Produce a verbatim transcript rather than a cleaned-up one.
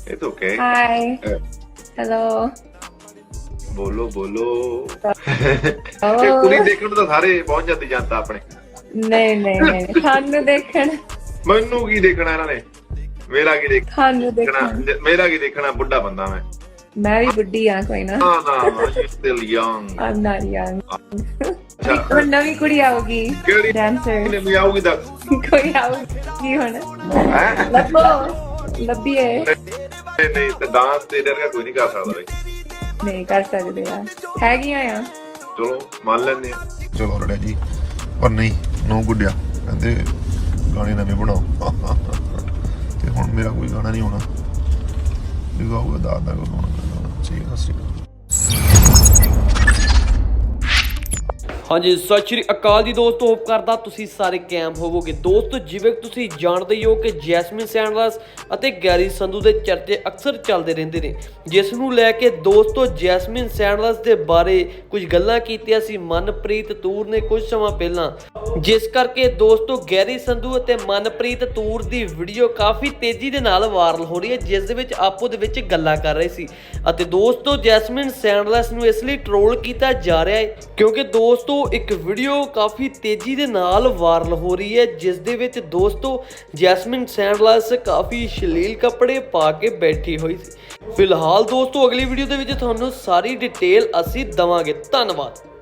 It's okay. Hi. Uh, Hello. ਬੋਲੋ ਬੋਲੋ ਇਹ Oh. ਕੁੜੀ ਦੇਖਣ ਨੂੰ ਤਾਂ ਸਾਰੇ ਪਹੁੰਚ ਜਾਂਦੀ ਜਨਤਾ ਆਪਣੇ। ਨਹੀਂ ਨਹੀਂ ਨਹੀਂ ਸਾਨੂੰ ਦੇਖਣ ਮੈਨੂੰ ਕੀ ਦੇਖਣਾ ਇਹਨਾਂ ਨੇ, ਮੇਰਾ ਕੀ ਸਾਨੂੰ ਦੇਖਣਾ, ਦੇਖਣ ਮੇਰਾ ਕੀ ਦੇਖਣਾ, ਬੁੱਢਾ ਬੰਦਾ ਮੈਂ। ਮੈਂ ਵੀ ਬੁੱਢੀ ਆ ਕੋਈ ਨਾ। ਨਾ ਨਾ still young। I'm not young. ਅੱਛਾ ਹੁਣ ਨਵੀਂ ਕੁੜੀ ਆਊਗੀ ਕਿਹੜੀ ਡਾਂਸਰ ਨੇ ਵੀ ਆਊਗੀ ਤਾਂ ਕੋਈ ਆਊਗੀ ਹੁਣ ਹੈ ਲੱਭੋ ਲੱਭੀਏ ਨਹੀਂ ਨਹੀਂ ਤੇ ਡਾਂਸ ਤੇ ਡਰ ਕੋਈ ਨਹੀਂ ਕਰ ਸਕਦਾ ਬਈ। ਨਹੀਂ ਕਰ ਸਕਦੇ ਆ ਹੈਗੀਆਂ ਆ ਚਲੋ ਮੰਨ ਲੈਂਦੇ ਆ। ਚਲੋ ਰੜਿਆ ਜੀ ਪਰ ਨਹੀਂ ਨੋ ਗੁੱਡਿਆ ਕਹਿੰਦੇ ਗਾਣੇ ਨਵੇਂ ਬਣਾਓ ਤੇ ਹੁਣ ਮੇਰਾ ਕੋਈ ਗਾਣਾ ਨਹੀਂ ਹੋਣਾ ਦਿਖਾਊਗਾ ਦਾਦਾ ਕੋਲ ਹੋਣਾ ਚਾਹੀਦਾ ਸੀ। ਹਾਂਜੀ ਸਤਿ ਸ਼੍ਰੀ ਅਕਾਲ ਜੀ ਦੋਸਤੋ, ਹੋਪ ਕਰਦਾ ਤੁਸੀਂ ਸਾਰੇ ਕੈਮ ਹੋਵੋਗੇ। ਦੋਸਤੋ ਜਿਵੇਂ ਤੁਸੀਂ ਜਾਣਦੇ ਹੀ ਹੋ ਕਿ ਜੈਸਮਿਨ ਸੈਂਡਲਸ ਅਤੇ ਗੈਰੀ ਸੰਧੂ ਦੇ ਚਰਚੇ ਅਕਸਰ ਚੱਲਦੇ ਰਹਿੰਦੇ ਨੇ, ਜਿਸ ਨੂੰ ਲੈ ਕੇ ਦੋਸਤੋ ਜੈਸਮਿਨ ਸੈਂਡਲਸ ਦੇ ਬਾਰੇ ਕੁਝ ਗੱਲਾਂ ਕੀਤੀਆਂ ਸੀ ਮਨਪ੍ਰੀਤ ਤੂਰ ਨੇ ਕੁਝ ਸਮਾਂ ਪਹਿਲਾਂ, ਜਿਸ ਕਰਕੇ ਦੋਸਤੋ ਗੈਰੀ ਸੰਧੂ ਅਤੇ ਮਨਪ੍ਰੀਤ ਤੂਰ ਦੀ ਵੀਡੀਓ ਕਾਫੀ ਤੇਜ਼ੀ ਦੇ ਨਾਲ ਵਾਇਰਲ ਹੋ ਰਹੀ ਹੈ, ਜਿਸ ਦੇ ਵਿੱਚ ਆਪੋ ਦੇ ਵਿੱਚ ਗੱਲਾਂ ਕਰ ਰਹੇ ਸੀ। ਅਤੇ ਦੋਸਤੋ ਜੈਸਮਿਨ ਸੈਂਡਲਸ ਨੂੰ ਇਸ ਲਈ ਟ੍ਰੋਲ ਕੀਤਾ ਜਾ ਰਿਹਾ ਹੈ ਕਿਉਂਕਿ ਦੋਸਤੋ ਇੱਕ ਵੀਡੀਓ ਕਾਫੀ ਤੇਜ਼ੀ ਦੇ ਨਾਲ ਵਾਇਰਲ ਹੋ ਰਹੀ ਹੈ, ਜਿਸ ਦੇ ਵਿੱਚ ਦੋਸਤੋ ਜੈਸਮਿਨ ਸੈਂਡਲਸ ਕਾਫੀ ਅਸ਼ਲੀਲ ਕੱਪੜੇ ਪਾ ਕੇ ਬੈਠੀ ਹੋਈ ਸੀ। ਫਿਲਹਾਲ ਦੋਸਤੋ ਅਗਲੀ ਵੀਡੀਓ ਦੇ ਵਿੱਚ ਤੁਹਾਨੂੰ ਸਾਰੀ ਡਿਟੇਲ ਅਸੀਂ ਦਵਾਂਗੇ। ਧੰਨਵਾਦ।